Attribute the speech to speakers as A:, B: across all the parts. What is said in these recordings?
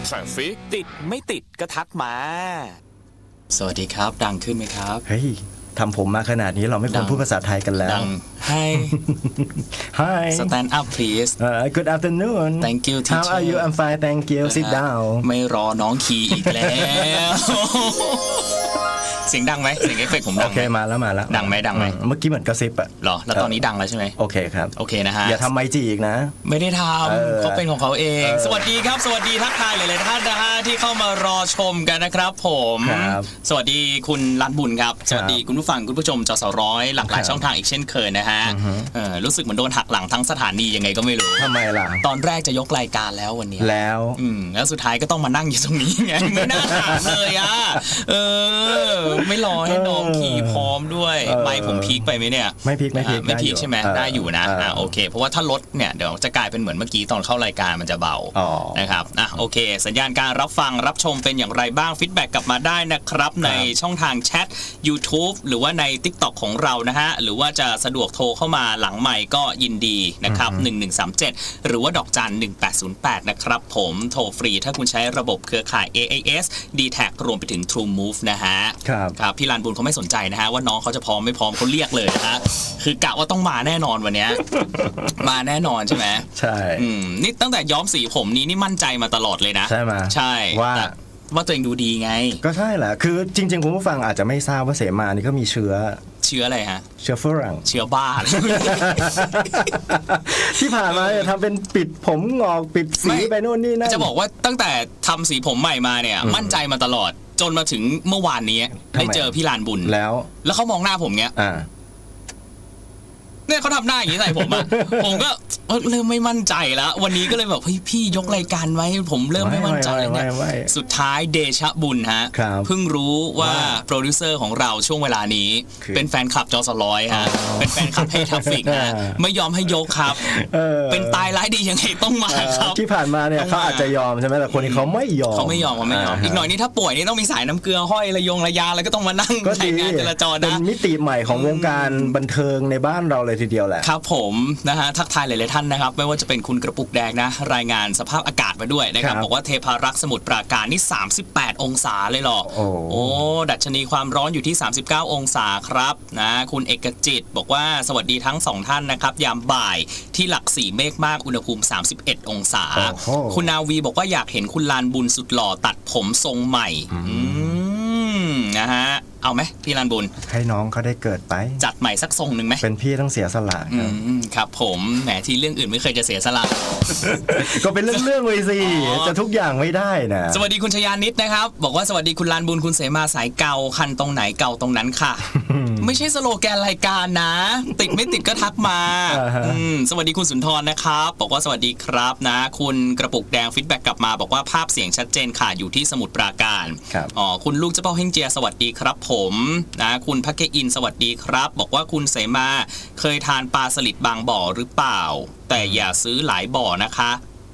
A: Traffic
B: ติดไม่ติดก็ทักมา สวัสดีครับดังขึ้นไหมครับ
C: เฮ้ยทำผมมาขนาดนี้เราไม่ควรพูดภาษาไทยกันแล้ว
B: ดัง Hi
C: Hi
B: Stand up please
C: Good afternoon
B: Thank you teacher
C: How are you I'm fine thank you Sit down
B: ไม่รอน้องคีอีกแล้ว เสียงดังไหมเสียงเอฟเฟกต์ผมดัง
C: โอเคมาแล้ว
B: ดังไหม
C: เมื่อกี้เหมือนกระซิบอะ
B: หรอแล้วตอนนี้ดังแล้วใช่ไหม
C: โอเคครับ
B: โอเคนะฮะ
C: อย่าทำไมจีอีกนะ
B: ไม่ได้ทำเขาเป็นของเขาเองสวัสดีครับสวัสดีทักทายหลายๆท่านนะฮะที่เข้ามารอชมกันนะครับผมสวัสดีคุณรัตบุญครับสวัสดีคุณผู้ฟังคุณผู้ชมจสร้อยหลากหลายช่องทางอีกเช่นเคยนะฮะรู้สึกเหมือนโดนหักหลังทั้งสถานียังไงก็ไม่รู้
C: ทำไมล่ะ
B: ตอนแรกจะยกรายการแล้ววันนี้
C: แล้ว
B: สุดท้ายก็ต้องมานั่งอยู่ตรงนี้ไงไม่น่าถามเลยอ่ะไม่รอให้น้องขี่พร้อมด้วยไมค์ผมพีคไปไหมเนี่ย
C: ไม่พีค
B: ใช่ไหมได้อยู่นะโอเคเพราะว่าถ้าลดเนี่ยเดี๋ยวจะกลายเป็นเหมือนเมื่อกี้ตอนเข้ารายการมันจะเบานะครับโอเคสัญญาณการรับฟังรับชมเป็นอย่างไรบ้างฟีดแบ็กกลับมาได้นะครับในช่องทางแชท YouTube หรือว่าใน TikTok ของเรานะฮะหรือว่าจะสะดวกโทรเข้ามาหลังไมค์ก็ยินดีนะครับ1137หรือว่าดอกจัน1808นะครับผมโทรฟรีถ้าคุณใช้ระบบเครือข่าย AIS D-Tag รวมไปถึง True Move นะฮะครับพี่ลานบุญเขาไม่สนใจนะฮะว่าน้องเขาจะพร้อมไม่พร้อมเขาเรียกเลยนะฮะคือกะว่าต้องมาแน่นอนวันนี้ มาแน่นอนใช่ไหม
C: ใช่
B: นี่ตั้งแต่ย้อมสีผมนี้นี่มั่นใจมาตลอดเลยนะ
C: ใช่ไหม
B: ใช่ว่าตัวเองดูดีไง
C: ก็ใช่แหละคือจริงๆคุณผู้ฟังอาจจะไม่ทราบว่าเสมานี่ก็มีเชื้อ
B: อะไรฮะ
C: เชื้อฝรั่ง
B: เชื้อบ้า
C: ที่ผ่านมาเนี่ยทำเป็นปิดผมงอกปิดสีไปโน่นนี่นั่น
B: จะบอกว่าตั้งแต่ทำสีผมใหม่มาเนี่ยมั่นใจมาตลอดจนมาถึงเมื่อวานนี้ได้เจอพี่ลานบุญแล้วเขามองหน้าผมเงี้ยเนี่ยเขาทำหน้าอย่างนี้ใส่ผมอะ ผมก็เริ่มไม่มั่นใจแล้ววันนี้ก็เลยแบบเฮ้ยพี่ยกรายการไว้ผมเริ่มไม่มั่นใจเนี่ยสุดท้ายเดชะบุญฮะเพิ่งรู้ว่าโปรดิวเซอร์ของเราช่วงเวลานี้เป็นแฟนคลับจสร้อยฮะเป็นแฟนคลับให้ทราฟฟิกฮะไม่ยอมให้ยกครับเป็นตายร้ายดียังไงต้องมาครับ
C: ที่ผ่านมาเนี่ยเขาอาจจะยอมใช่ไหมแต่คนนี้เขาไม่ยอม
B: อีกหน่อยนี่ถ้าป่วยนี่ต้องมีสายน้ำเกลือห้อยระยาแล้วก็ต้องมานั่งใช้งานจราจรนะ
C: เป็นมิติใหม่ของวงการบันเทิงในบ้านเราเลยทีเดียวแหละ
B: ครับผมนะฮะทักทายหลายๆท่านนะครับไม่ว่าจะเป็นคุณกระปุกแดงนะรายงานสภาพอากาศมาด้วยนะครับบอกว่าเทพารักษ์สมุทรปราการนี่38องศาเลยหรอโอ้ดัชนีความร้อนอยู่ที่39องศาครับนะคุณเอกจิตบอกว่าสวัสดีทั้ง2ท่านนะครับยามบ่ายที่หลัก4เมฆมากอุณหภูมิ31องศาคุณนาวีบอกว่าอยากเห็นคุณลานบุญสุดหล่อตัดผมทรงใหม่นะฮะเอาไหมพี่ลานบุญ
C: ให้น้องเขาได้เกิดไป
B: จัดใหม่สักทรงหนึ่งไหม
C: เป็นพี่ต้องเสียสละ
B: ครับผมแหมที่เรื่องอื่นไม่เคยจะเสียสละ
C: ก็เป็นเรื่องเลยสิจะทุกอย่างไม่ได้นะ
B: สวัสดีคุณชยานิดนะครับบอกว่าสวัสดีคุณลานบุญคุณเสมาสายเก่าคันตรงไหนเก่าตรงนั้นค่ะ ไม่ใช่สโลแกนรายการนะติดไม่ติดก็ทักมาสวัสดีคุณสุนทรนะครับบอกว่าสวัสดีครับนะคุณกระปุกแดงฟีดแบ็กกลับมาบอกว่าภาพเสียงชัดเจนค่ะอยู่ที่สมุทรปราการคุณลูกเจ้าเป้าเฮงเจียสวัสดีครับผมนะคุณพักเกอินสวัสดีครับบอกว่าคุณเสมาเคยทานปลาสลิดบางบ่อหรือเปล่าแต่อย่าซื้อหลายบ่อนะคะ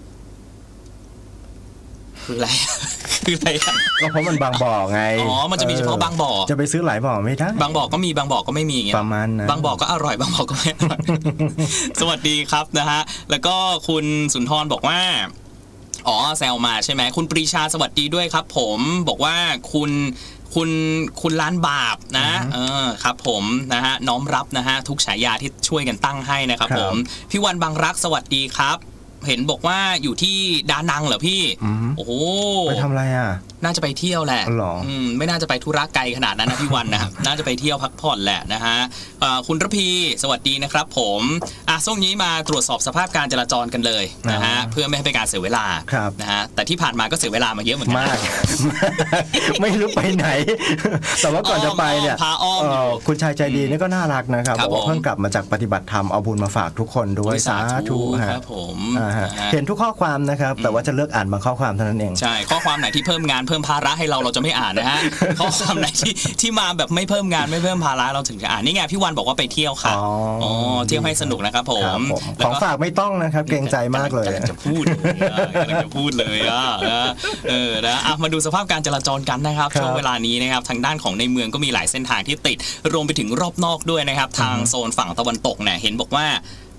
B: คืออะไร
C: ก็เพราะมันบางบ่อไง
B: มันจะมีเฉพาะบางบ่อ
C: จะไปซื้อหลายบ่อไม่ได้
B: บางบ่อก็มีบางบ่อก็ไม่มีอย่างเงี้ย
C: ประมาณนั้น
B: บางบ่อก็อร่อยบางบ่อก็ไม่อร่อย สวัสดีครับนะฮะแล้วก็คุณสุนทรบอกว่าแซวมาใช่ไหมคุณปรีชาสวัสดีด้วยครับผมบอกว่าคุณล้านบาปนะครับผมนะฮะน้อมรับนะฮะทุกฉายาที่ช่วยกันตั้งให้นะครับผมพี่วันบางรักสวัสดีครับเห็นบอกว่าอยู่ที่ดานังเหรอพี่โอ้โห
C: ไปทำอะไรอ่ะ
B: น่าจะไปเที่ยวแหละไม่น่าจะไปธุระไกลขนาดนั้นนะพี่วันนะ น่าจะไปเที่ยวพักผ่อนแหละนะฮะคุณระพีสวัสดีนะครับผมช่วงนี้มาตรวจสอบสภาพการจราจรกันเลยนะฮะเพื่อไม่ให้เป็นการเสียเวลานะฮะแต่ที่ผ่านมาก็เสียเวลามาเยอะเหมือนกัน
C: มากไม่รู้ไปไหนแต่ว่าก่อนจะไปเนี่ยคุณชายใจดีนี่ก็น่ารักนะครับบอกว่าเพิ่งกลับมาจากปฏิบัติธรรมเอาบุญมาฝากทุกคนด้วยสาธุ
B: ครับผม
C: เห็นทุกข้อความนะครับแต่ว่าจะเลือกอ่านบางข้อความเท่านั้นเอง
B: ใช่ข้อความไหนที่เพิ่มงานเพิ่มภาระให้เราจะไม่อ่านนะฮะข้อความไหนที่มาแบบไม่เพิ่มงานไม่เพิ่มภาระเราถึงจะอ่านนี่ไงพี่วันบอกว่าไปเที่ยวค่ะเที่ยวให้สนุกนะครับผม
C: ของฝากไม่ต้องนะครับเกรงใจมากเลย
B: จะพูดเลยนะมาดูสภาพการจราจรกันนะครับช่วงเวลานี้นะครับทางด้านของในเมืองก็มีหลายเส้นทางที่ติดรวมไปถึงรอบนอกด้วยนะครับทางโซนฝั่งตะวันตกเนี่ยเห็นบอกว่า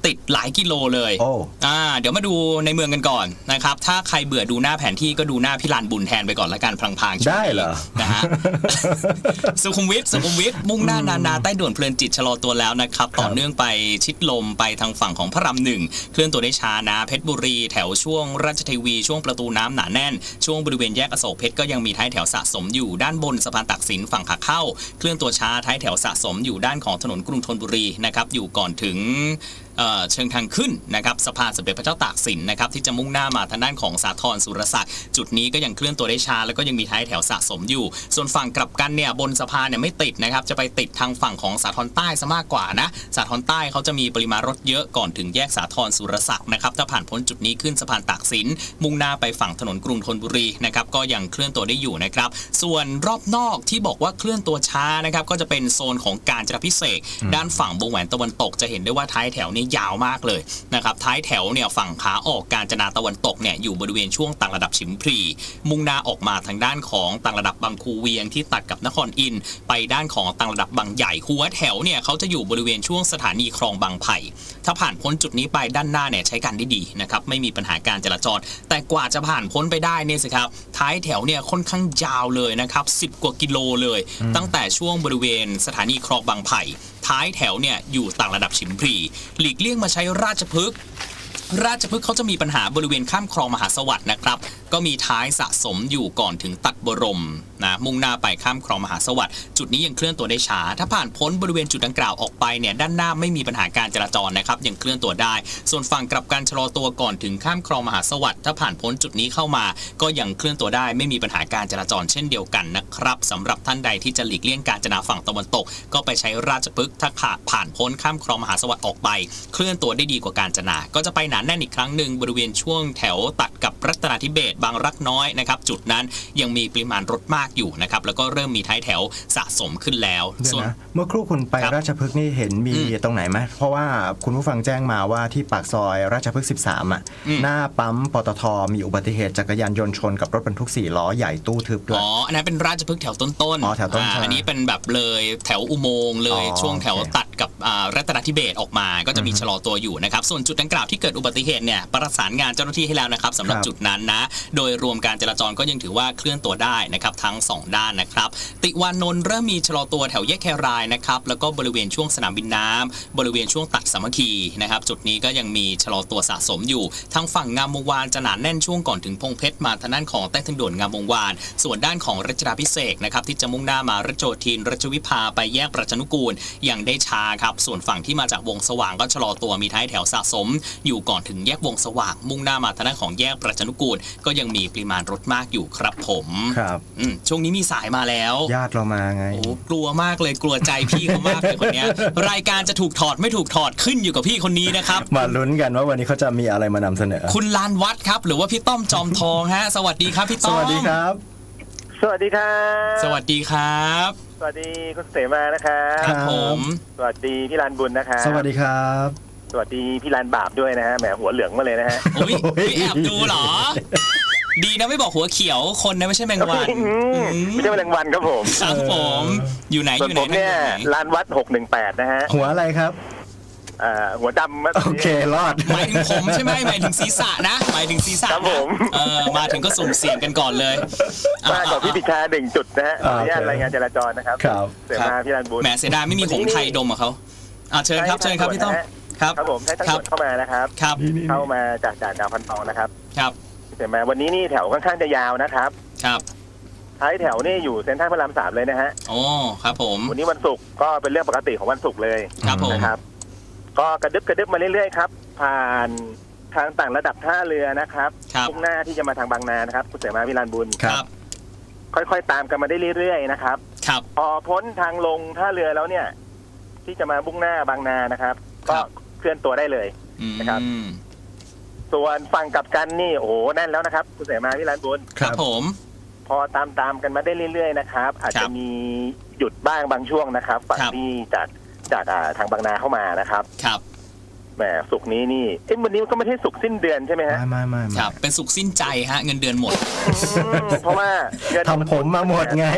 B: ติดหลายกิโลเลย เดี๋ยวมาดูในเมืองกันก่อนนะครับถ้าใครเบื่อดูหน้าแผนที่ก็ดูหน้าพี่ลานบุญแทนไปก่อนละกันพลางๆ
C: ได้เหรอ
B: นะฮะ สุขุมวิทมุ่งหน้านาใต้ด่วนเพลินจิตชะลอตัวแล้วนะครับต่อเนื่องไปชิดลมไปทางฝั่งของพระราม1เคลื่อนตัวได้ช้านะเพชรบุรีแถวช่วงราชเทวีช่วงประตูน้ำหนาแน่นช่วงบริเวณแยกอโศกเพชรก็ยังมีท้ายแถวสะสมอยู่ด้านบนสะพานตักสินฝั่งขาเข้าเคลื่อนตัวช้าท้ายแถวสะสมอยู่ด้านของถนนกรุงธนบุรีนะครับอยู่ก่อนถึงเชิงทางขึ้นนะครับสะพานสมเด็จพระเจ้าตากสินนะครับที่จะมุ่งหน้ามาทางด้านของสาทรสุรศักดิ์จุดนี้ก็ยังเคลื่อนตัวได้ช้าแล้วก็ยังมีท้ายแถวสะสมอยู่ส่วนฝั่งกลับกันเนี่ยบนสะพานเนี่ยไม่ติดนะครับจะไปติดทางฝั่งของสาทรใต้ซะมากกว่านะสาทรใต้เขาจะมีปริมาณรถเยอะก่อนถึงแยกสาทรสุรศักดิ์นะครับถ้าผ่านพ้นจุดนี้ขึ้นสะพานตากสินมุ่งหน้าไปฝั่งถนนกรุงธนบุรีนะครับก็ยังเคลื่อนตัวได้อยู่นะครับส่วนรอบนอกที่บอกว่าเคลื่อนตัวช้านะครับก็จะเป็นโซนของกาญจนาภิเษกด้านฝั่งวงแหวนตะวันตกจะเห็นได้ว่าท้ายแถวนี้ยาวมากเลยนะครับท้ายแถวเนี่ยฝั่งขาออกกาญจนาตะวันตกเนี่ยอยู่บริเวณช่วงต่างระดับฉิมพลีมุ่งหน้าออกมาทางด้านของต่างระดับบางคูเวียงที่ตัดกับนครอินทร์ไปด้านของต่างระดับบางใหญ่หัวแถวเนี่ยเขาจะอยู่บริเวณช่วงสถานีคลองบางไผ่ถ้าผ่านพ้นจุดนี้ไปด้านหน้าเนี่ยใช้การได้ดีนะครับไม่มีปัญหาการจราจรแต่กว่าจะผ่านพ้นไปได้เนี่ยสิครับท้ายแถวเนี่ยค่อนข้างยาวเลยนะครับ10 กว่ากิโลเลยตั้งแต่ช่วงบริเวณสถานีคลองบางไผ่ท้ายแถวเนี่ยอยู่ต่างระดับฉิมพลีหลีกเลี่ยงมาใช้ราชพฤกษ์เขาจะมีปัญหาบริเวณข้ามคลองมหาสวัสดิ์นะครับก็มีท้ายสะสมอยู่ก่อนถึงตัดบรมนะมุ่งหน้าไปข้ามคลองมหาสวัสดิ์จุดนี้ยังเคลื่อนตัวได้ช้าถ้าผ่านพ้นบริเวณจุดดังกล่าวออกไปเนี่ยด้านหน้าไม่มีปัญหาการจราจรนะครับยังเคลื่อนตัวได้ส่วนฝั่งกลับกันชะลอตัวก่อนถึงข้ามคลองมหาสวัสดิ์ถ้าผ่านพ้นจุดนี้เข้ามาก็ยังเคลื่อนตัวได้ไม่มีปัญหาการจราจรเช่นเดียวกันนะครับสำหรับท่านใดที่จะหลีกเลี่ยงกาญจนาฝั่งตะวันตกก็ไปใช้ราชพฤกษ์ถ้าผ่านพ้นข้ามคลองมหาสวัสดิ์ออกไปเคลื่อนตัวได้ดีกว่ากาญจนาก็จะไปหนาแน่นอีกครั้งหนึ่งบริเวณช่วงแถวตัดกับรัตนาธิเบศรบางรักน้อยนะครับจุดนั้นยังมีปริมาณรถมากอยู่นะครับแล้วก็เริ่มมีท้ายแถวสะสมขึ้นแล้ว
C: ส่วนเมื่อครู่คุณไปราชพฤกษ์นี่เห็นมีตรงไหนไหมเพราะว่าคุณผู้ฟังแจ้งมาว่าที่ปากซอยราชพฤกษ์13หน้าปั๊มปตทมีอุบัติเหตุจักรยานยนต์ชนกับรถบรรทุก4 ล้อใหญ่ตู้ทึบด้วย
B: อันนั้นเป็นราชพฤกษ์แถวต้น
C: แถวต้น
B: อันนี้เป็นแบบเลยแถวอุโมงค์เลยช่วงแถวตัดกับรัตนาธิเบศรออกมาก็จะมีชะลอตัวอยู่นะครับส่วนจุดดังกล่าวที่เกิดอุบัติเหตุเนี่ยประสานงานเจ้าหน้าที่ให้แล้วนะครับสำหรับจุดนั้นนะโดยรวมการจราจรก็ยังถือว่าเคลื่อนตัวได้นะครับทั้ง2ด้านนะครับติวานนท์เริ่มมีชะลอตัวแถวแยกแครายนะครับแล้วก็บริเวณช่วงสนามบินน้ำบริเวณช่วงตัดสามัคคีนะครับจุดนี้ก็ยังมีชะลอตัวสะสมอยู่ทางฝั่งงามวงวานจะหนาแน่นช่วงก่อนถึงพงเพชรมาทางด้านของใต้ทางด่วนงามวงวานส่วนด้านของรัชดาภิเษกนะครับที่จะมุ่งหน้ามารัชโยธินรัชวิภาไปแยกประชานุกูลยังได้ช้าครับส่วนฝั่งที่มาจากวงสว่างก็ชะลอตัวมีท้ายแถวสะสมอยู่ก่อนถึงแยกวงสว่างมุ่งหน้ามาทางด้านของแยกประชานุกูลก็ยังมีปริมาณรถมากอยู่ครับผม
C: ครับ
B: ช่วงนี้มีสายมาแล้ว
C: ญาติเรามาไง
B: โอ้กลัวมากเลยกลัวใจพี่เขามากเลยคนนี้รายการจะถูกถอดไม่ถูกถอดขึ้นอยู่กับพี่คนนี้นะครับ
C: มาลุ้นกันว่าวันนี้เขาจะมีอะไรมานำเสนอ
B: คุณลานวัดครับหรือว่าพี่ต้อมจอมทองฮะสวัสดีครับพี่ต้อม
C: สวัสดีครับ
A: สวัสดีครับ
B: สวัสดีครับ
A: สวัสดีคุณเสมานะครับ
B: ครับผม
A: สวัสดีพี่ลานบุญนะครับ
C: สวัสดีครับ
A: สวัสดีพี่ลานบาปด้วยนะฮะแหมหัวเหลืองมาเลยนะฮะ
B: โอ้ยแอบดูเหรอดีนะไม่บอกหัวเขียวคนนะไม่ใช่แมงวัน
A: ไม่ใช่แมลงวันครับผม
B: ครับผมอยู่ไหนอยู่ไหน
A: ผมเนี่ยลานวัด618นะฮะ
C: หัวอะไรครับ
A: หัวดำ
C: โอเครอด
B: หมายถึงผมใช่ไหมหมายถึงศีรษะนะหมายถึงศีรษะ
A: ครับผม
B: มาถึงก็สุ่มเสี่ยงกันก่อนเลย
A: มาก่อนพี่ปิชา1 จุดนะฮะขออนุญาตรายงานจราจรนะครับเสียมาพี่ลานบุญ
B: แหมเสียดายไม่มีหงส์ไทยดมกับเขาเชิญครับเชิญครับพี่ต้อม
A: ครับผมให้ทั้งหมดเข้ามานะครับเข้ามาจากด่านดาวพันทองนะครับ
B: ครับ
A: เห็นไหมวันนี้นี่แถวค่อนข้างจะยาวนะครับ
B: ครับ
A: ท้ายแถวนี่อยู่เซ็นทรัลพระราม3เลยนะฮะ
B: โอ้ครับผม
A: วันนี้วันศุกร์ก็เป็นเรื่องปกติของวันศุกร์เลย
B: ครับผม
A: นะครับก็กระดึบมาเรื่อยๆครับผ่านทางต่างระดับท่าเรือนะครับมุ่งหน้าที่จะมาทางบางนานะครับคุณเสมาวิลานบุญ
B: ครับ
A: ค่อยๆตามกันมาได้เรื่อยๆนะครับ
B: ครับ
A: พอพ้นทางลงท่าเรือแล้วเนี่ยที่จะมามุ่งหน้าบางนานะครับก็เคลื่อนตัวได้เลยนะครับส่วนฝั่งกลับกันนี่โอ้โหแน่นแล้วนะครับคุณเสมาวิลานบุญ
B: ครับผม
A: พอตามกันมาได้เรื่อยๆนะครับอาจจะมีหยุดบ้างบางช่วงนะครับฝั่งที่จากทางบางนาเข้ามานะครับ
B: ครับ
A: แหมศุกร์นี้นี่วันนี้ก็ไม่ใช่ศุกร์สิ้นเดือนใช่ไหมฮะ
C: ไม่
B: ครับเป็นศุกร์สิ้นใจฮะเงินเดือนหมด
A: เพราะว่า
C: ทำผมมาหมดไง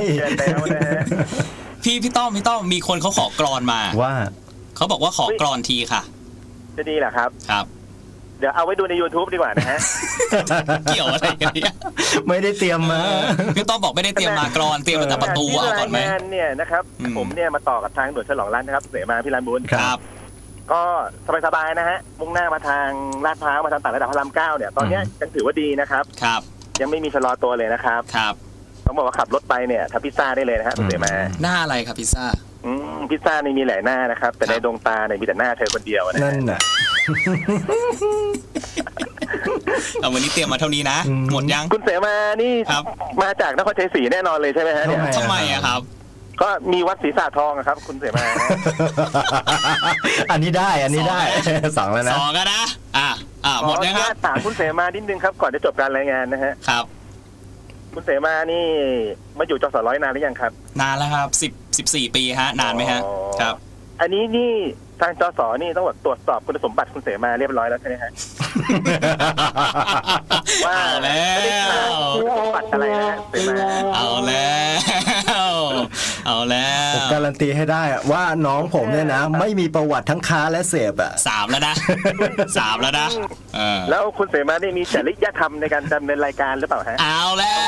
B: พี่ต้อมมีคนเขาขอกรอนมา
C: ว่า
B: เขาบอกว่าขอกรอนทีค่ะ
A: จะดีเหรอครับ
B: ครับ
A: เดี๋ยวเอาไว้ดูใน YouTube ดีกว่านะฮะ
B: เกี่ยวอะไรกันเนี่ย
C: ไม่ได้เตรียมมา
B: พี่ต้องบอกไม่ได้เตรียมมากรอนเตรียมมาแต่ประตูเอาก่อนไหม
A: ที่รายงานเนี่ยนะครับ ผมเนี่ยมาต่อกับทางด่วนฉลองรัตน์นะครับเสมาพี่ลานบุญ
B: ครับ
A: ก็สบายๆนะฮะมุ่งหน้ามาทางลาดพร้าวมาทางต่างระดับพระราม9เนี่ยตอนเนี้ยยังถือว่าดีนะครับ
B: ครับ
A: ยังไม่มีชะลอตัวเลยนะครับ
B: ครับ
A: ต้องบอกว่าขับรถไปเนี่ยทำพิซซ่าได้เลยนะฮะเสมา
B: หน้าอะไรครับพิซซ่า
A: พิซซ่านี่มีหลายหน้านะครับแต่ในดวงตาเนี่ยมีแต่หน้าเธอคนเดียวนะ
C: นั่
A: ฮะ
C: นน่ะ
B: เอาวันนี้เตรียมมาเท่านี้นะ หมดยัง
A: คุณเสมานี่
B: ครับ
A: มาจากนครชัยศรีแน่นอนเลยใช่ไหมฮะเนี่ย
B: ทำไมอะครับ
A: ก็มีวัดศรีสะทองอะครับ คุณเสมา
C: อันนี้ได้อันนี้ได้ สองแล้วนะ
B: สองก็นะ หมดยังครับ
A: ขออนุญาตถามคุณเสมานิดนึงครับก่อนจะจบการรายงานนะฮะ
B: ครับ
A: คุณเสมานี่มาอยู่จสร้อยนานหรือยังครับ
B: นานแล้วครับ14 ปีฮะ นานไหมฮะ
A: อ๋อ
B: ครับ
A: อันนี้นี่ทางจสนี่ต้องตรวจสอบคุณสมบัติคุณเสมาเรียบร้อยแล้วใช่ไหมฮะ ว่า
B: เอาแล้
A: ไม่ได้ขาด
B: ว
A: คุณสมบัติอะไรนะฮะเสมา
B: เอาแล้ว เอาแล้ว
C: ผมการันตีให้ได้อะว่าน้องผมเนี่ยนะ ไม่มีประวัติทั้งค้าและเสพอ่ะ
B: 3 แล้วนะ 3 แล้วนะเออ
A: แล้วคุณเสมานี่มีจริยธรรมในการดำเนินรายการหรือเปล่าฮะ
B: เอาแล้ว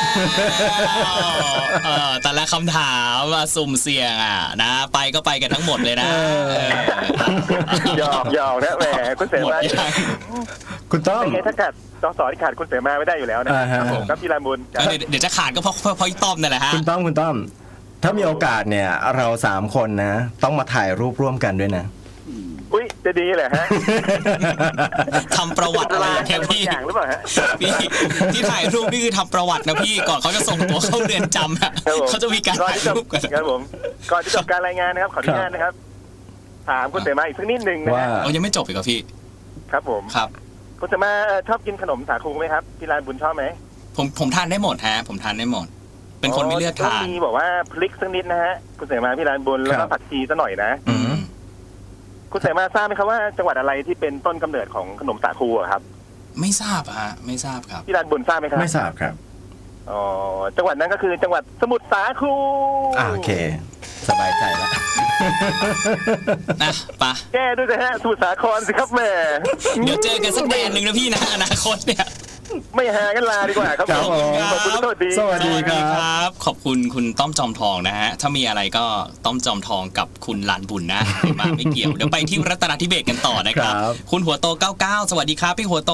B: แต่ละคำถามมาสุ่มเสี่ยงนะ ไปก็ไปกันทั้งหมดเลยนะ
A: หยอกนะแหมคุณเส
B: หมด
A: มา
B: ยัง
C: คุณต้อม
A: ยังไงถ้าขาดจสที่ขาดคุณเสมาไม่ได้อยู่แล้วนะ
C: ฮะ
A: ครับผมครับพี่ลานบุญ
B: เดี๋ยวจะขาดก็เพราะอีต้อมนั่นแหละฮะ
C: คุณต้อมถ้ามีโอกาสเนี่ย เรา3 คนนะ ต้องมาถ่ายรูปร่วมกันด้วยนะ
A: อุ้ยจะดีเหรอฮะ
B: ทำประวัติอะไรแค่พี่
A: อย่างหรือเปล่าฮะ
B: พี่ที่ถ่ายรูปนี่คือทำประวัตินะพี่ก่อนเขาจะส่งตัวเข้าเรือนจำอะ
A: ครับผม
B: เขาจะมีการถ่ายรูปกัน
A: ครับผมก่อนที่จบการรายงานนะครับขออนุญาตนะครับ ถามคุณเสมาอีกสักนิดหนึ่งนะ
C: ว่า
A: ฮะ
B: เรายังไม่จบอีกเหรอพี่
A: ครับผม
B: ครับ
A: คุณเสมาชอบกินขนมสาคูไหมครับพี่ลานบุญชอบไหม
B: ผมทานได้หมดฮะผมทานได้หมด เป็นคนไม่เลือกทาน
A: มีบอกว่าพลิกสักนิดนะฮะคุณเสมาพี่ลานบุญแล้ว
C: ครั
A: ก็
C: บ
A: ผักชีซะหน่อยนะ
B: อืม
A: คุณเสมาทราบไหมครับว่าจังหวัดอะไรที่เป็นต้นกำเนิดของขนมสาคูอะครับ
B: ไม่ทราบฮะไม่ทราบครับ
A: พี่ลานบุญทราบไหมครับ
C: ไม่ทราบครับ
A: อ๋อจังหวัดนั้นก็คือจังหวัดสมุทรสาคร
C: โอเค สบายใจแล้ว
B: นะปะ
A: แก้ด้วยนะฮะสมุทรสาครสิครับแหม่
B: เดี๋ยวเจอกันสักแดนหนึ่งนะพี่นะอนาคตเนี่ย
A: ไม่หากันลาดีกว่าครับ
C: ครับผม
A: ขอบคุณสวัสดี
C: สวัสดีครับ
B: ขอบคุณคุณต้อมจอมทองนะฮะถ้ามีอะไรก็ต้อมจอมทองกับคุณลานบุญนะมาไม่เกี่ยวเดี๋ยวไปที่รัตนทิเบศกันต่อนะครับ
C: ครับ
B: คุณหัวโต 99 สวัสดีครับ พี่หัวโต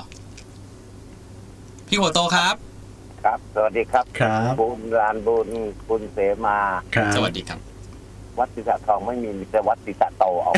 B: พี่หัวโตครับ
D: ครับ สวัสดีครับ
C: ครับ
D: บุญลานบุญคุณเสมา
C: ครับ
B: สวัสดีครับ
D: วัดศรีสะทองไม่มีแต่วัดศรีสะโตเอา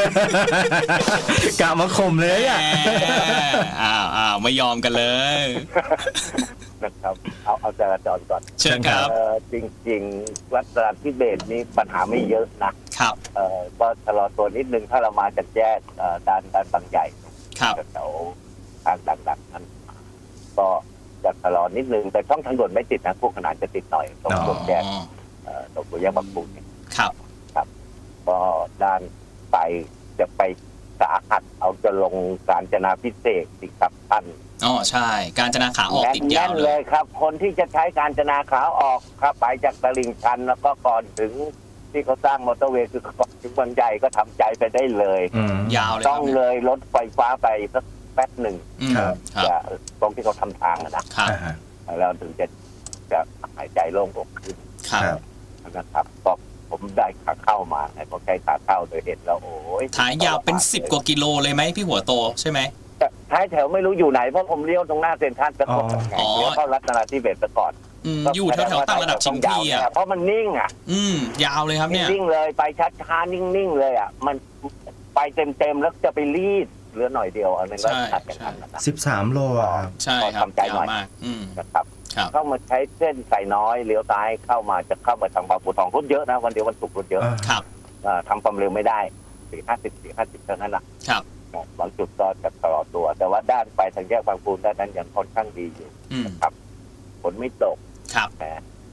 C: กะมาข่มเลยอ่ะ
B: อ้าวไม่ยอมกันเลย
D: นะครับ เอาจราจรก่อน
B: เชิญครับ
D: จริงๆ วัดตราธิเบศนี้ปัญหาไม่เยอะนะครับ ก็ชะลอตัวนิดนึงถ้าเรามาจากแยกด้านบางใหญ่
B: ครับ
D: แถวทางดังๆนั้น ก็จะชะลอนิดนึงแต่ช่องทางด่วนไม่ติดนะพวกขนาดจะติดหน่อยตรง
C: อ๋อ
D: ตรงแยกตรงแยกบางปูเนี่ย
B: ครับ
D: ก็ด้านไปจะไปสาหัสเอาจะลงกาญจนาพิเศษกสิครับท่าน
B: อ๋อใช่ การจนาขาออกติดยาว
D: แน่น
B: เล
D: เลย ยครับ คนที่จะใช้การจนาขาออกครับไปจากตลิ่งชันแล้วก็ก่อนถึงที่เขาสร้างมอเตอร์เวย์คือก่อนถึงบางใหญ่ก็ทำใจไปได้เลย
B: ยาวเลยค
D: ต้
B: รั
D: อบ งเลยรถไฟฟ้าไปสักแป๊บหนึ่ง
B: อืม
C: ครับ
B: ครับ
D: จะตรงที่เขาทำทางนะครับ แล้วถึงจะหายใจโล่งอกขึ้น
B: ครับ
C: ครับ
D: นะครับก็ผมได้ขาเข้ามาไงพอใช้ขาเข้าโดยเห็นแล้วโอ้ย
B: ขายาวเป็น10 กว่ากิโลเลยไหมพี่หัวโตใช่ไหม
D: ท้ายแถวไม่รู้อยู่ไหนเพราะผมเลี้ยวตรงหน้าเซ็นทรัลไปก่อนไง
B: อ๋อ
D: เลี้ยวเข้ารัตนาธิเบศไปก่อน
B: อยู่แถวๆต่างระดับชิงพีอ่ะ
D: เพราะมันนิ่งอ่ะ
B: ยาวเลยครับเนี่ย
D: นิ่งเลยไปช้าๆนิ่งๆเลยอ่ะมันไปเต็มๆแล้วจะไปรีดเหลือหน่อยเดียวอันนั้นก็
B: ใช่
D: ขัดกันทันนะ
C: 13 โลอะครับ
B: ใช่ครับ
D: ทำใจหน่
B: ยา
D: อ
B: วย มาก
D: นะครับ
B: ครับ
D: เข้ามาใช้เส้นสายน้อยเลี้ยวซ้ายเข้ามาจะเข้ามาทางบางปูทองรถเยอะนะวันเดียววันศุกร์รถเยอะ
B: ครับ
D: ทำความเร็วไม่ได้450เท่านั้นนะครับ บางจุดก็จะชะลอตัว แต่ว่าด้านไปทางแยกบางปูด้านนั้นยังค่อนข้างดีอยู่ ครับ ฝนไม่ตก
B: ครับ
D: แต่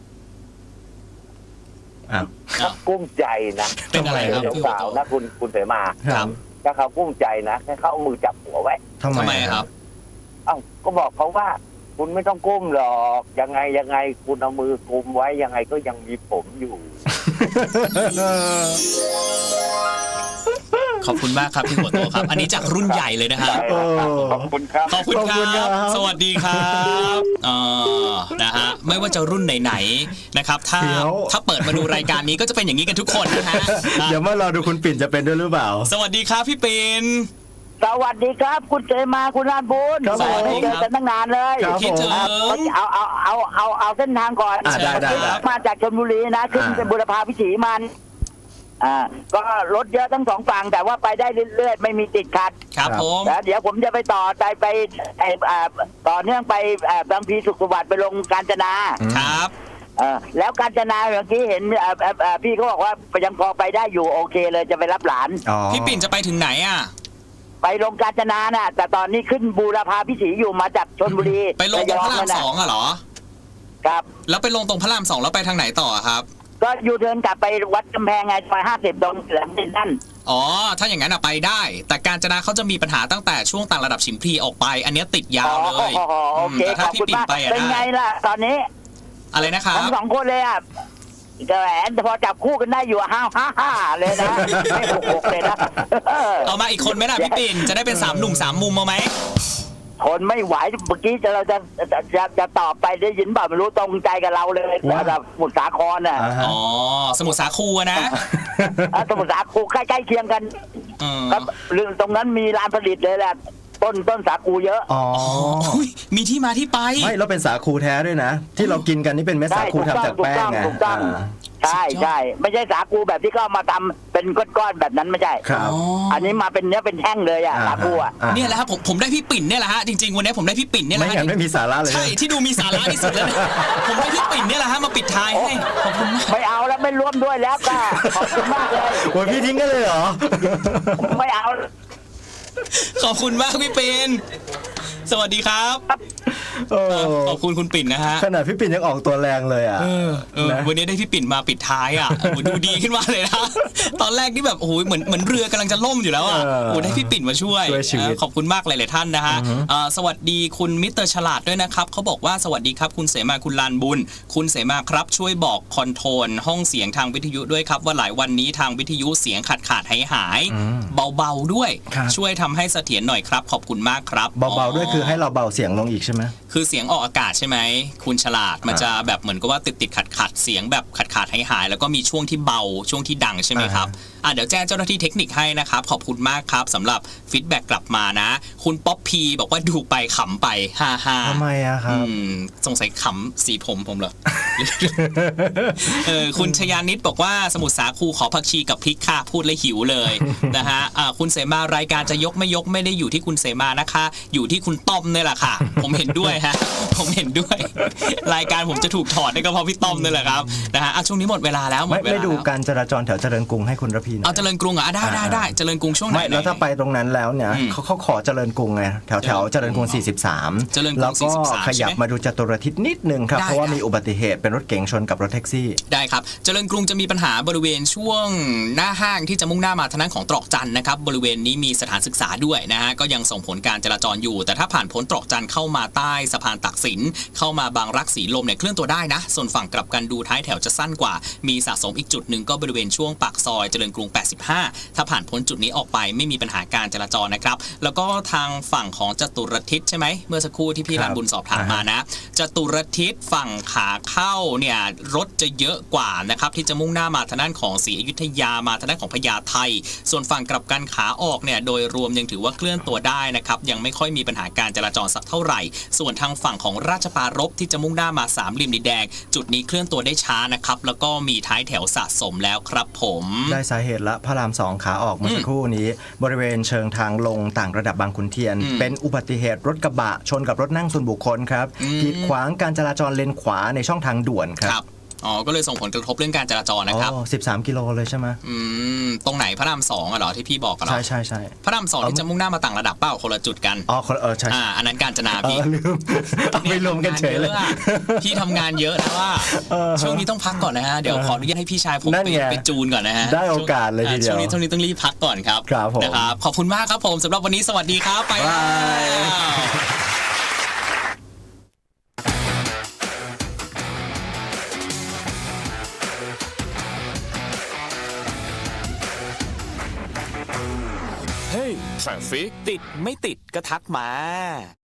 C: อ้าว
B: อ้าว
D: กุ้มใจนะ
B: เป็นอะไรครับพี่หัว
D: สาว
B: โต
D: ๆนะคุณเสมา
B: ครับ
D: ถ้าเขากุ้มใจนะให้เขาเอามือจับหัวไว้
C: ทำ
B: ทำ
C: ไม
B: ไมครับ
D: เอ้าก็บอกเขาว่า คุณไม่ต้องก้มหรอกยังไงคุณเอามือกุมไว้ยังไงก็ยังมีผมอยู่
B: ขขอบคุณมากครับพี่หัวโตครับ อันนี้จากรุ่นใหญ่เลยนะฮะ
D: ขอบคุณครับ
B: ขอบคุณครับสวัสดีครับนะฮะไม่ว่าจะรุ่นไหนๆนะครับถ้าเปิดมาดูรายการนี้ก็จะเป็นอย่างนี้กันทุกคนนะฮะ
C: เดี๋ยวมารอดูคุณปิ่นจะเป็นด้วยหรือเปล่า
B: สวัสดีครับพี่ปิ่น
E: สวัสดีครับคุณเจมาคุณรานบุญ
C: ครับผม
E: ไม่เจอกันตั้งนานเลย
C: ครับ
B: คิดถึง
E: เอาเส้นทางก่อน
C: ได้
E: มาจากชลบุรีนะขึ้นเป็นบุรพาวิถีมันก็รถเยอะทั้งสองฝั่งแต่ว่าไปได้เรื่อยๆไม่มีติดขัด
B: ครับผม
E: แล้วเดี๋ยวผมจะไปต่อต่อเนื่องไปบางพลีสุขสวัสดิ์ไปลงกาญจนา
B: ครับ
E: แล้วกาญจนาเมื่อกี้เห็นพี่เขาบอกว่ายังพอไปได้อยู่โอเคเลยจะไปรับหลาน
B: พี่ปิ่นจะไปถึงไหนอ่ะ
E: ไปลงกาญจนาน่ะแต่ตอนนี้ขึ้นบูรพาพิถีอยู่มาจากชลบุรี
B: ไปลงตรงพระราม
E: ย
B: สองอะเหรอ
E: ครับ
B: แล้วไปลงตรงพระรามสองแล้วไปทางไหนต่อครับ
E: ก็อยู่เดินกลับไปวัดกำแพงไงซอย50ตรงแหลมดินนั่น
B: อ๋อถ้าอย่างนั้นอะไปได้ แต่กาญจนาเขาจะมีปัญหาตั้งแต่ช่วงต่างระดับฉิมพลีออกไป อันเนี้ยติดยาวเลย
E: โอเค
B: แต่
E: ข
B: ถ้า
E: อบ
B: พี่
E: คุณ
B: ปิ่น
E: มาก
B: ไปอะ
E: เป็นไง
B: ได้
E: ล่ะตอนนี้
B: อะไรนะครับ
E: ทั้งสองคนเลยอ่ะแต่แหมพอจับคู่กันได้อยู่ฮ่าเลยนะไม่หกเลยนะ
B: เอามาอีกคนไหมล่ะพี่ปิ่นจะได้เป็น3 หนุ่ม 3 มุมเอาไหม
E: ทนไม่ไหวเมื่อกี้เราจะตอบไปได้ยินเปล่าไม่รู้ตรงใจกับเราเลยแบบสมุทรสาครน่ะ
B: อ๋อสมุทรสาครนะ
E: สมุทรสาครใกล้ๆเคียงกัน ครับเรื่องตรงนั้นมีร้านผลิตเลยแหละต้นสาคูเยอะ
C: อ๋อ
B: มีที่มาที่ไป
C: ไม่แล้วเป็นสาคูแท้ด้วยนะ ที่เรากินกันนี่เป็นเม็ดสาคูทำจากแป้งไง
E: ถูกต้องใช่ไม่ใช่สาคูแบบที่เขามาทำเป็นก้อนๆแบบนั้นไม่ใช่
C: ครับ
E: อันนี้มาเป็นเนื้อเป็นแท่งเลยอ่ะสาคูอ่ะ
B: เนี่ยแหละครับผมได้พี่ปิ่นเนี่ยแหละฮะจริงๆวันนี้ผมได้พี่ปิ่นเนี่ยแห
C: ไม่
B: ละฮะ
C: งั้นไม่มีสาระเลย
B: ใช่ที่ดูมีสาระที่สุดแล้วนะผมได้พี่ปิ่นเนี่ยแหละฮะมาปิดท้ายให้ขอบคุณมาก
E: ไม่เอาแล้วไม่ร่วมด้วยแล้วก็ขอบคุณมากเลย
C: โอ้ยพี่ทิ้งกันเลยเหรอ
E: ไม่เอา
B: ขอบคุณมากพี่ปิ่นสวัสดีครับ
C: โอ้
B: ขอบคุณคุณปิ่นนะฮะ
C: ขนาดพี่ปิ่นยังออกตัวแรงเลยอ่ะ นะ
B: วันนี้ได้พี่ปิ่นมาปิดท้ายอ่ะโอ้โหดูดีขึ้นมาเลยนะตอนแรกนี่แบบโอ้โหเหมือนเรือกำลังจะล่มอยู่แล้วอ่ะโอ้โหได้พี่ปิ่นมาช่วย
C: ชีวิต
B: ขอบคุณมากหลายๆท่านนะฮะสวัสดีคุณมิสเตอร์ฉลาดด้วยนะครับเขาบอกว่าสวัสดีครับคุณเสมาคุณลานบุญคุณเสมาครับช่วยบอกคอนโทรลห้องเสียงทางวิทยุด้วยครับว่าหลายวันนี้ทางวิทยุเสียงขาดหายเบาๆด้วย
C: ครับ
B: ช่วยทำให้เสถียรหน่อยครับขอบคุณมากครับ
C: เบาๆด้วยคือให้เราเบาเสียงลงอีกใช่ไหม
B: คือเสียงออกอากาศใช่ไหมคุณฉลาดมันจะแบบเหมือนกับว่าติดขัดเสียงแบบขาดหายแล้วก็มีช่วงที่เบาช่วงที่ดังใช่ไหมครับเดี๋ยวแจ้งเจ้าหน้าที่เทคนิคให้นะครับขอบคุณมากครับสำหรับฟีดแบ็กกลับมานะ คุณป๊อปพีบอกว่าดูไปขำไป55
C: ทำไมอะครับ
B: สงสัยขำสีผมเหรอ คุณชยานิดบอกว่าสมุทรสาคูขอผักชีกับพริกค่ะพูดเลยหิวเลย นะฮะคุณเสมารายการจะยกไม่ยกไม่ได้อยู่ที่คุณเสมานะคะ อยู่ที่คุณต้อมนี่แหละค่ะ ผมเห็นด้วยฮะ ผมเห็นด้วย รายการผมจะถูกถอดได้ก็เพราะพี่ต้อมนี่แหละครับนะฮะช่วงนี้หมดเวลาแล้วหมดเวลา
C: ไม่ดู
B: แล้ว
C: การจราจรแถวเจริญกรุงให้คุณระพีหน่อย
B: เอาเจริญกรุงได้เจริญกรุงช่วงไหน
C: ไม่แล้วถ้าไปตรงนั้นแล้วเนี่ยเขาขอเจริญกรุงไงแถวเจริญกรุง 43
B: เจริญกรุง
C: แล้วก็
B: 43
C: ขยับ
B: ใช่ไหม
C: มาดูจตุรทิศนิดนึงครับ
B: ได้
C: เพราะว่ามีอุบัติเหตุเป็นรถเก๋งชนกับรถแท็กซี่
B: ได้ครับเจริญกรุงจะมีปัญหาบริเวณช่วงหน้าห้างที่จะมุ่งหน้ามาทางด้านของตรอกจันทร์นะครับบริเวณนี้มีสถานศึกษาด้วยนะฮะก็ยังส่งผลการจราจรอยู่ แต่ถ้าผ่านพ้นตรอกจันทร์เข้ามาใต้สะพานตักสินเข้ามาบางรักสีลมเนี่ยเคลื่อนตัวได้นะส่วนฝั่งกลับกันดูท้ายแถวจะสั้นกว่ามีสะสมอีกจุดหนึ่งก็บริเวณช่วงปากซอยเจริญกรุง 85 ถ้าผ่านพ้นจุดนี้ออกไปไม่มีปัญหาการจราจรนะครับแล้วก็ทางฝั่งของจตุรทิศใช่ไหมเมื่อสักครู่ที่พี่รันบุญสอบถามมานะจตุรทิศฝั่งขาเข้าเนี่ยรถจะเยอะกว่านะครับที่จะมุ่งหน้ามาทางด้านของศรีอยุธยามาทางด้านของพญาไทส่วนฝั่งกลับกันขาออกเนี่ยโดยรวมยังถือว่าเคลื่อนตัวได้นะครับยังไม่ค่อยมีปัญหาการจราจรสักเท่าไหร่ส่วนทางฝั่งของราชปรารภที่จะมุ่งหน้ามาสามเหลี่ยมดินแดงจุดนี้เคลื่อนตัวได้ช้านะครับแล้วก็มีท้ายแถวสะสมแล้วครับผม
C: ได้สาเหตุละพระราม 2 ขาออกเมื่อสักครู่นี้ บริเวณเชิงทางลงต่างระดับบางขุนเทียน เป็นอุบัติเหตุรถกระบะชนกับรถนั่งส่วนบุคคลครับกีดขวางการจราจรเลนขวาในช่องทางด่วนครับ
B: ก็เลยส่งผลกระทบเรื่องการจราจรนะครับ
C: 13 กิโลเลยใช่ไหม
B: ตรงไหนพระราม2เหรอที่พี่บอกกันเหรอ
C: ใช่
B: พระราม2ที่จะมุ่งหน้ามาต่างระดับเปล่าคนละจุดกัน
C: ใช่
B: อันนั้นกาญจนาพี่
C: ลืมเอาไปรวมกันเฉยเลย
B: พี่ทำงานเยอะนะว่าช่วงนี้ต้องพักก่อนนะฮะเดี๋ยวขออนุญาตให้พี่ชายผม
C: นั่นไง
B: ไปจูนก่อนนะฮะ
C: ได้โอกาสเลยทีเดียว
B: ช่วงนี้ต้องรีบพักก่อนครับ
C: ครับผม
B: นะครับขอบคุณมากครับผมสำหรับวันนี้สวัสดีครับไปแล้ว
F: เฮ้ยทราฟิกติดไม่ติดก็ทักมา